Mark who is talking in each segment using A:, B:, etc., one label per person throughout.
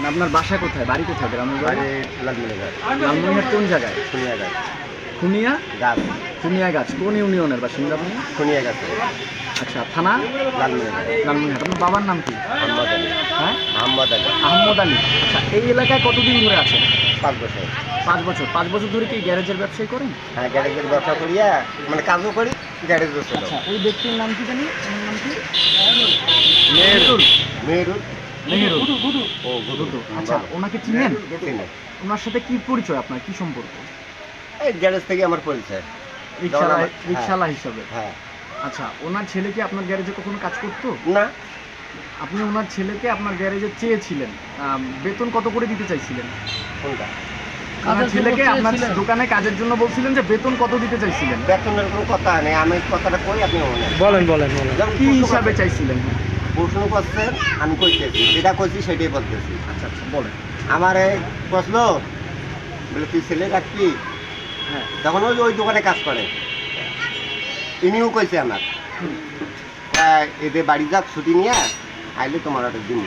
A: আপনার বাসা কোথায়, বাড়ি কোথায়, গ্রামের বাড়ি?
B: লালমনিরহাট।
A: লালমনিরহাট কোন জায়গায়?
B: খুনিয়াঘাট।
A: খুনিয়া
B: গাছ।
A: খুনিয়াগাছ কোন ইউনিয়নের বাসিন্দা আপনি?
B: খুনিয়াঘাট।
A: আচ্ছা, থানা?
B: লালমনিরহাট।
A: লালমনিরহাট। আপনার বাবার নাম কি?
B: আহমদ আলী।
A: হ্যাঁ,
B: আহমদ আলী।
A: আহমদ আলী। আচ্ছা, এই এলাকায় কতদিন ধরে আছেন?
B: 5 বছর।
A: 5 বছর। 5 বছর ধরে কি গ্যারেজের ব্যবসায়ী করেন?
B: হ্যাঁ, গ্যারেজের ব্যবসা করিয়া মানে কাজও করি, গ্যারেজও ছিল।
A: আচ্ছা, ওই ব্যক্তির নাম কি জানি? ওনার নাম কি?
B: মেহেরুল। মেহেরুল।
A: মেহেরুল।
B: ও
A: দুদু। আচ্ছা, ওনাকে চিনেন?
B: চিনি।
A: ওনার সাথে কি পরিচয় আপনার, কি সম্পর্ক?
B: এই গ্যারেজ থেকে আমার পরিচয়।
A: রিক্সাওয়ালা হিসাবে?
B: হ্যাঁ।
A: আচ্ছা, ওনার ছেলে কি আপনার গ্যারেজে কখনো কাজ করতো?
B: না।
A: আপনি ওনার ছেলেকে আপনার গ্যারেজে চেয়েছিলেন, বেতন কত করে দিতে চাইছিলেন?
B: কোনটা?
A: ওনার ছেলেকে আপনার দোকানে কাজের জন্য বলছিলেন যে বেতন কত দিতে চাইছিলেন?
B: বেতনের কোনো কথা নেই, আমি কথাটা কই আপনি
A: বলেন। কি হিসাবে চাইছিলেন?
B: প্রশ্ন করছেন, আমি কইতেছি, যেটা কইছি সেটাই বলতেছি।
A: আচ্ছা আচ্ছা, বলেন।
B: আমার এই প্রশ্ন বলে তুই ছেলে রাখবি?
A: হ্যাঁ।
B: তখন ওই দোকানে কাজ করে, ইনিও কইছে আমার এদের বাড়ি যাক ছুটি নিয়ে আইলে তোমার একটা দিন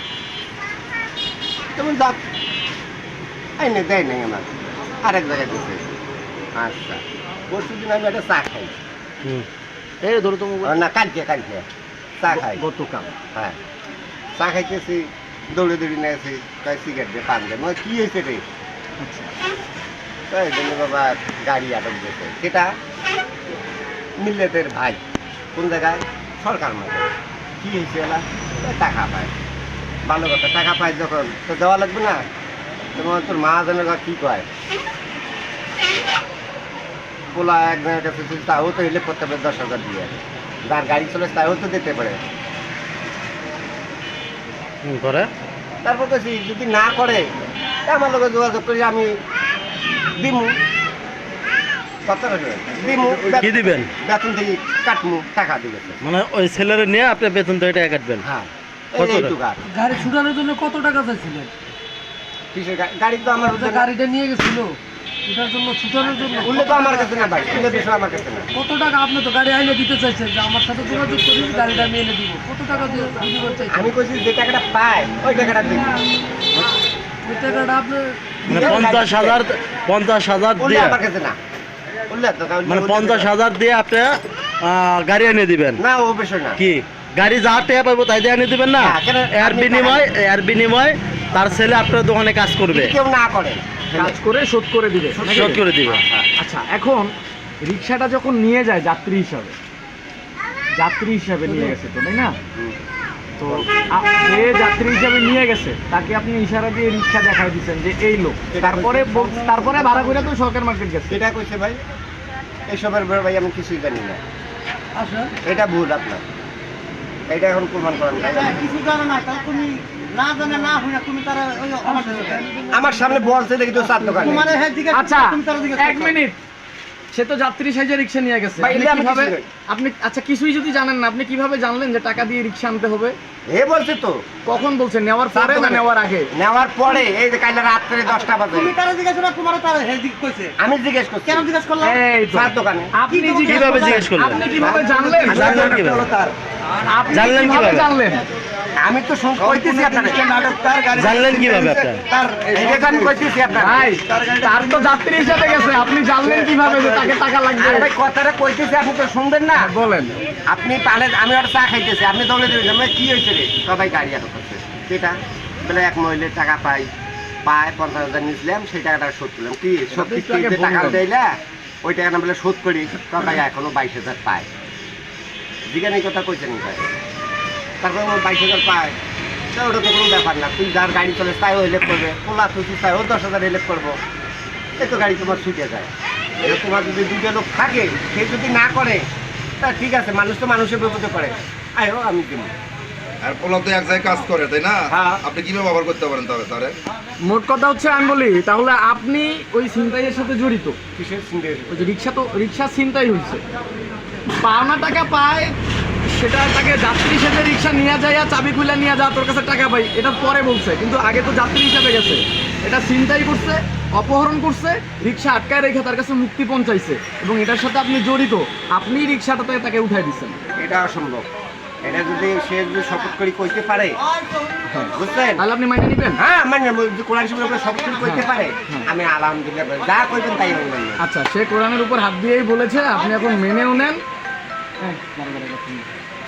B: তেমন যাক আইনে দেয় নাই আমার, আরেক জায়গায় দিচ্ছে। আচ্ছা, পরশু দিন আমি একটা চা খাই।
A: এই ধরো তো
B: না, কালকে চা খাই।
A: গতকাল?
B: হ্যাঁ, চা খাইতেছি, দৌড়ে নিয়ে আসি, তাই সিগারেট দিয়ে পান দেয়, মানে কী হয়েছে রে?
A: আচ্ছা,
B: তাই জন্য বাবা গাড়ি আটক দিয়েছে। সেটা মিল্লেটের ভাই, কোন জায়গায়? সরকার মাঝে। কী হয়েছে এলা? টাকা পায়, ভালো কথা। টাকা পায় যখন তো দেওয়া লাগবে না? তোমার তোর মা জানে কী কয়, পোলা একজনের কাছে তাও তো হিলেপ করতে পারে 10,000 দিয়ে, যার গাড়ি চলে তাও তো দিতে পারে। তারপর তো যদি না করে আমার লোকের যোগাযোগ করি, আমি দিমু।
C: কি দিবেন?
B: বেতন থেকে কাটমু, টাকা দিবেছে।
C: মানে ওই ছেলেরে নিয়ে আপনি বেতন থেকে টাকা কাটবেন?
B: হ্যাঁ।
D: গাড়ি ছুটানোর জন্য কত টাকা চাইছিলেন?
B: কিসের গাড়ি? তো আমার
D: গাড়িটা নিয়ে গেছিল এটার জন্য, ছুটানোর জন্য।
B: উল্লে তো আমার কাছে না ভাই, উল্লে বিষয় আমার কাছে না।
D: কত টাকা আপনি তো গাড়ি আইনে দিতে চাইছেন যে আমার সাথে যোগাযোগ করি, গাড়িটা আমি এনে দিব? কত টাকা দিয়ে দিতে চাইছেন?
B: আমি কইছি যে টাকাটা পায় ওই টাকাটা দিই।
D: ওই টাকাটা আপনি
C: মানে 50,000
B: উল্লে
C: দিয়ে?
B: আমার কাছে না, উল্লে তো
C: মানে 50,000 দিয়ে আপনি গাড়ি এনে দিবেন?
B: না, ও বিষয় না।
C: কি গাড়ি যা টাকা পাবো তাই দিয়ে এনে দিবেন না? এর বিনিময় তার ছেলে আপনার দোকানে কাজ করবে,
B: কেউ না করে,
A: কাজ করে শোধ করে দিবে।
C: শোধ করে দিবে।
A: আচ্ছা, এখন রিক্সাটা যখন নিয়ে যায় যাত্রী হিসাবে নিয়ে গেছে তো, তাই না? তো যে যাত্রী হিসাবে নিয়ে গেছে তাকে আপনি ইশারা দিয়ে রিক্সা দেখাই দিচ্ছেন যে এই লোক, তারপরে ভাড়া করে তো সরকার মার্কেট গেছে।
B: এটা কইছে ভাই, এসবের ব্যাপারে ভাই আমি কিছুই জানি না।
D: আসেন।
B: এটা ভুল আপনার, এটা এখন প্রমাণ করেন ভাই।
D: কিছু জানো না, তাহলে তুমি না জানে না হই না, তুমি তারা
B: আমার সামনে বলছে দেখি তো 4 দোকানে।
A: আচ্ছা, 1 মিনিট। সে তো যাত্রী সাইজে রিক্সা নিয়ে গেছে, আপনি আচ্ছা কিছুই যদি জানেন না, আপনি কিভাবে জানলেন যে টাকা দিয়ে রিক্সা আনতে হবে?
B: এ বলছে তো।
A: কখন বলছেন? নেওয়ার পরে না নেওয়ার আগে?
B: নেওয়ার পরে। এই যে কাল রাত্রে 10টা বাজে
D: তুমি তারা জিজ্ঞাসা না, তোমার তারা হেজিক কইছে।
B: আমি জিজ্ঞেস করছি।
D: কেন জিজ্ঞাসা করলাম?
A: এই তো
B: 4 দোকানে।
A: আপনি
C: কিভাবে জিজ্ঞেস করলেন?
A: আপনি কিভাবে জানলেন?
C: জানলেন কিভাবে?
A: আপনি
C: জানলেন
A: কিভাবে
C: কিভাবে?
A: জানলেন?
B: আমি তো কইতেছি আপনাকে।
C: জানলেন কিভাবে আপনার?
B: তার এইটা আমি কইতেছি আপনাকে।
A: ভাই, তার তো যাত্রী হিসেবে গেছে, আপনি জানলেন কিভাবে যে তাকে টাকা লাগবে?
B: আরে ভাই, কথাটা কইতেছি, আপনি তো শুনবেন না।
A: বলেন।
B: আপনি পালে, আমি ওর চা খাইতেছি, আপনি দৌড়ে দিবেন, আমি কি হয়েছে রে? সবাই গাড়ি আটক করছে। সেটা বলে এক মহিলার টাকা পায় 50,000 নিয়েছিলাম, সেই টাকাটা শোধ করলাম। কি শোধ কিস্তিতে টাকা দিলে ওই টাকাটা বলে শোধ করি, সবাই এখনো 22,000 পায়। জিজ্ঞাসা কথা কইছেন ভাই, তারপরে 22,000 পায়, তা ওটা তো কোনো ব্যাপার না। তুই যার গাড়ি চলে তাই ও হেল্প করবে, পোলা তুই তাই ও 10,000 হেল্প করবো, এই তো গাড়ি তোমার ছুটে যায়। তোমার যদি 2টা লোক থাকে, সে যদি না করে তা ঠিক আছে, মানুষ তো মানুষের বিপদে করে, আয়ো আমি দিব।
E: আর পোলা তো এক জায়গায় কাজ করে, তাই না?
B: হ্যাঁ।
E: আপনি কিভাবে ব্যবহার করতে পারেন তবে তারে?
A: মোট কথা হচ্ছে, আমি বলি তাহলে আপনি ওই ছিনতাইয়ের সাথে জড়িত।
B: কিসের চিন্তা?
A: ওই যে রিক্সা ছিনতাই হয়েছে, পাওনা টাকা পায়, সেটা তাকে যাত্রী হিসেবে রিক্সা নিয়ে যায়, চাবি খুলে নিয়ে যা, তোর কাছে টাকা পাই, এটা পরে বলছে, কিন্তু আগে তো যাত্রী হিসেবে গেছে। এটা ছিনতাই করছে, অপহরণ করছে, রিক্সা আটকায় রেখে তার কাছে মুক্তি পৌঁছাইছে, এবং এটার সাথে আপনি জড়িত। আপনি রিক্সাটাতে তাকে উঠাই দিচ্ছেন।
B: এটা অসম্ভব। এটা যদি সে যদি শপথ করে কইতে পারে, বুঝছেন?
A: তাহলে আপনি মাইনে নিবেন?
B: হ্যাঁ মানে কোরআন শরীফের উপরে শপথ করে কইতে পারে, আমি আলহামদুলিল্লাহ বলি। যা কইবেন তাই আমি মানব।
A: আচ্ছা, সে কোরআনের উপর হাত দিয়েই বলেছে, আপনি এখন মেনেও নেন।